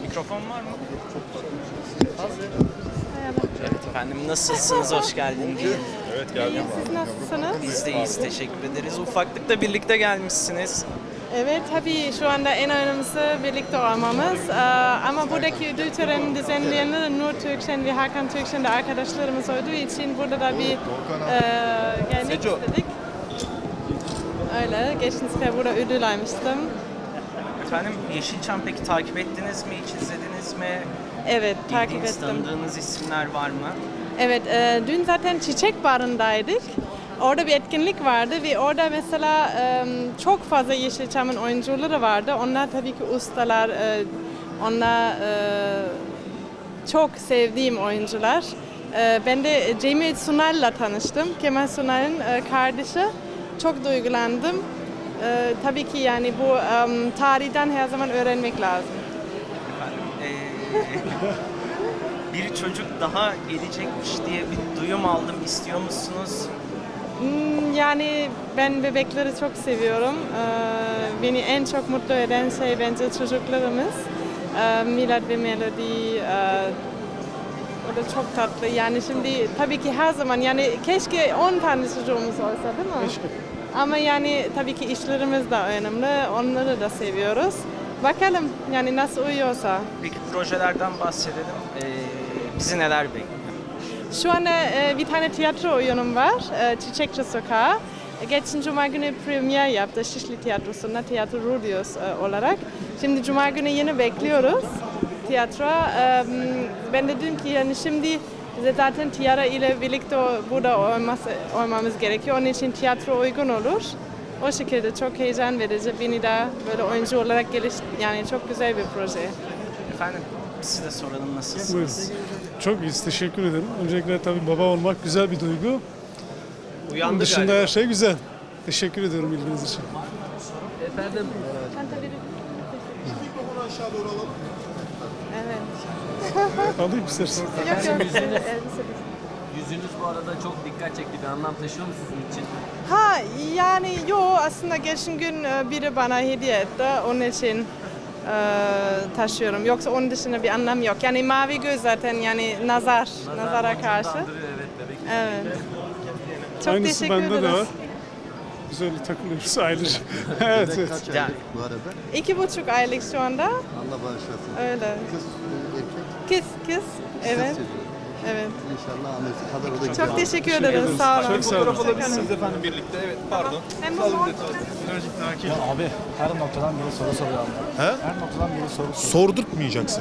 Mikrofon var mı? Merhaba. Evet efendim, nasılsınız? Hoş geldiniz. Evet geldim. İyi, siz nasılsınız? Biz de iyiyiz, teşekkür ederiz. Ufaklıkla birlikte gelmişsiniz. Evet, tabii şu anda en önemlisi birlikte olmamız. Ama buradaki ödül töreni düzenleyenler Nur Türkşen ve Hakan Türkşen de arkadaşlarımız olduğu için burada da bir gelmek istedik. Öyle, geçen sefer burada ödül almıştım. Efendim, Yeşilçam peki takip ettiniz mi, hiç izlediniz mi? Evet, takip Bildiğiniz, ettim. tanıdığınız isimler var mı? Evet, dün zaten Çiçek Barı'ndaydık. Orada bir etkinlik vardı ve orada mesela çok fazla Yeşilçam'ın oyuncuları vardı. Onlar tabii ki ustalar, onlar çok sevdiğim oyuncular. Ben de Cemil Sunal'la tanıştım, Kemal Sunal'ın kardeşi. Çok duygulandım. Tabii ki yani bu tarihten her zaman öğrenmek lazım. Bir çocuk daha gelecekmiş diye bir duyum aldım. İstiyor musunuz? Yani ben bebekleri çok seviyorum. Beni en çok mutlu eden şey bence çocuklarımız. Milad ve Melody, o da çok tatlı. Yani şimdi tabii ki her zaman yani keşke 10 tane çocuğumuz olsa değil mi? Keşke. Ama yani tabii ki işlerimiz de önemli. Onları da seviyoruz. Bakalım yani nasıl uyuyorsa. Peki projelerden bahsedelim. Bizi neler bekliyor? Şu anda bir tane tiyatro oyunum var, Çiçekçi Sokağı. Geçen Cuma günü premier yaptı Şişli Tiyatrosu'nda, Tiyatro Rudios olarak. Şimdi Cuma günü yine bekliyoruz tiyatro. Ben de dedim ki yani şimdi bize zaten tiyatro ile birlikte burada olmamız gerekiyor. Onun için tiyatro uygun olur. O şekilde çok heyecan verici. Beni de böyle oyuncu olarak yani çok güzel bir proje. Efendim, size de soralım, nasılsınız? Buyurun. Çok iyiyiz. Teşekkür ederim. Öncelikle tabii baba olmak güzel bir duygu. Onun dışında her şey güzel. Teşekkür ediyorum ilginiz için. Efendim, Evet. Alayım istersen. Yok yok. yüzünüz bu arada çok dikkat çekti. Bir anlam taşıyor mu sizin için? Ha yani aslında geçen gün biri bana hediye etti. Onun için taşıyorum. Yoksa onun dışında bir anlam yok. Yani mavi göz zaten yani nazara karşı. Andırıyor, evet bebek. Evet. Çok Aynısı teşekkür bende ederiz. de var. Güzel takılıyoruz ailece. evet evet. Kaç Yani- aylık bu arada? 2,5 aylık şu anda. Allah bağışlasın. Öyle. Kız, erkek, Kız. Evet. çocuğu. Evet. İnşallah annesi kadar o da Çok güzel. teşekkür ederiz. Sağ olun. Çok sağ olun. Hoşçakalın. efendim birlikte. Evet, pardon. Hem bu mont- Ya abi her noktadan biri soru soruyor. Her noktadan biri soru soruyor. Sordurtmayacaksın.